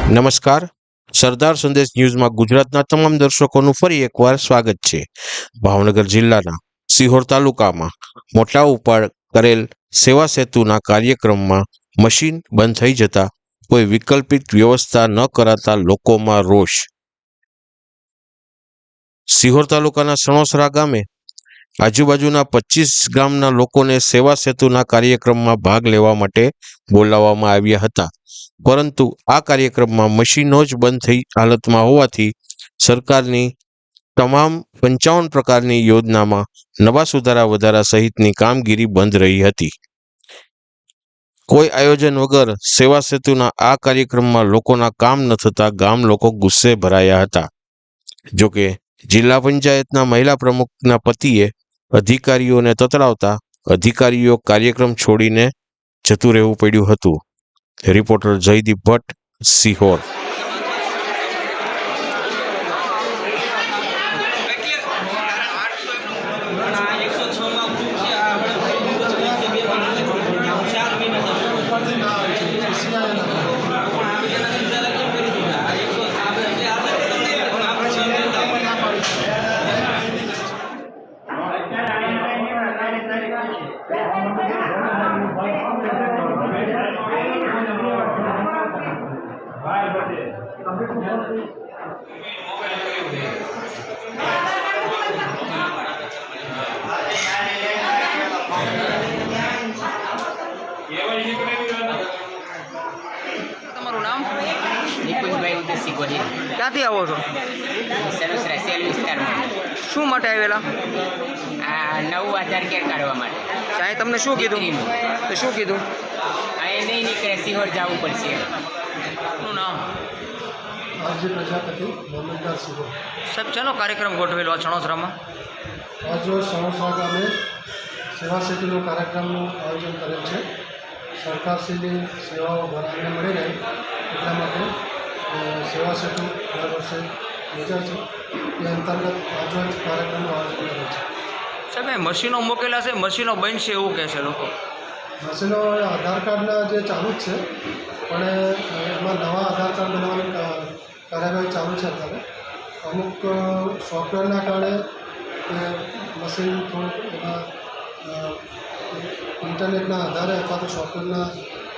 નમસ્કાર. સરદાર સંદેશ ન્યૂઝમાં ગુજરાતના તમામ દર્શકોનું ફરી એકવાર સ્વાગત છે. ભાવનગર જિલ્લાના સિહોર તાલુકામાં મોટા ઉપાડ કરેલ સેવા સેતુના કાર્યક્રમમાં મશીન બંધ થઈ જતા કોઈ વિકલ્પિત વ્યવસ્થા ન કરાતા લોકોમાં રોષ. સિહોર તાલુકાના સણોસરા ગામે આજુબાજુના 25 ગામના લોકોને સેવા સેતુના કાર્યક્રમમાં ભાગ લેવા માટે બોલાવવામાં આવ્યા હતા, પરંતુ આ કાર્યક્રમમાં મશીનો જ બંધ થઈ હાલતમાં હોવાથી સરકારની તમામ 55 પ્રકારની યોજનામાં નવા સુધારા વધારા સહિતની કામગીરી બંધ રહી હતી. કોઈ આયોજન વગર સેવા સેતુના આ કાર્યક્રમમાં લોકોના કામ ન થતા ગામ લોકો ગુસ્સે ભરાયા હતા. જોકે જિલ્લા પંચાયતના મહિલા પ્રમુખના પતિએ અધિકારીઓને તતડાવતા અધિકારીઓ કાર્યક્રમ છોડીને જતું રહેવું પડ્યું હતું. રિપોર્ટર જયદીપ ભટ્ટ, સિહોર. તમારું નામ? નિકુંજભાઈ ઉદયસિંહ ગોહિલ. ક્યાંથી આવો છો? સરોસરા સેલ વિસ્તારમાં. શું માટે આવેલા? આ નવું આધાર કાર્ડ કાઢવા માટે. સાહેબ તમને શું કીધું? તો શું કીધું? અહીં નહીં નીકળે, સિહોર જવું પડશે. શું નામ? આરજી પ્રજાપતિ, મોહમ્મદદાર સિહોર. સાહેબ શેનો કાર્યક્રમ ગોઠવેલો આ છણોસરામાં? આજરોજ સણોસરા ગામે સેવા સેતુનો કાર્યક્રમનું આયોજન કરેલ છે. સરકારશ્રીની સેવાઓ ઘણાને મળી રહે એટલા માટે સેવા સેતુ દર વર્ષે યોજાય છે. એ અંતર્ગત આજરોજ કાર્યક્રમનું આયોજન કરેલ છે. સાહેબ એ મશીનો મૂકેલા છે, મશીનો બનશે એવું કહે છે લોકો. મશીનો આધાર કાર્ડના જે ચાલુ જ છે, પણ એમાં નવા આધાર કાર્ડ બનાવવાની કાર્યવાહી ચાલુ છે અત્યારે. અમુક સોફ્ટવેરના કારણે એ મશીન થોડુંક એમાં ઇન્ટરનેટના આધારે અથવા તો સોફ્ટવેરના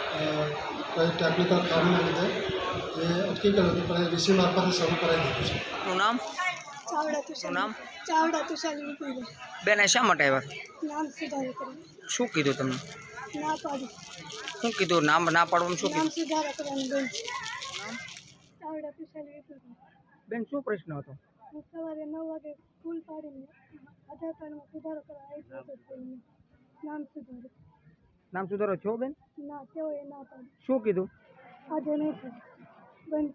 કંઈ ટેકનિકલ ખામીના લીધે એ અટકી ગયું હતું, પણ એ વીસી મારફતે શરૂ કરાવી દીધું છે. શું નામ? ચાવડા શું તુષાર. નામ? ચાવડા તુષાર વિપુલભાઈ. બેન શા માટે આવ્યા? નામ સુધારો કરવા. શું કીધું તમને? ના પાડી. શું કીધું? નામ ના પાડવાનું શું નામ કીધું? સુધારો કરવાનું બેન છે. ચાવડા તુષાર વિપુલભાઈ. બેન શું પ્રશ્ન હતો? હું સવારે 9 વાગે સ્કૂલ પાડીને આધાર કાર્ડમાં સુધારો કરવા આવી હતો. નામ સુધારો. નામ સુધારો છો બેન? ના તેઓએ ના પાડી. શું કીધું? આજે નહીં થાય. બંધ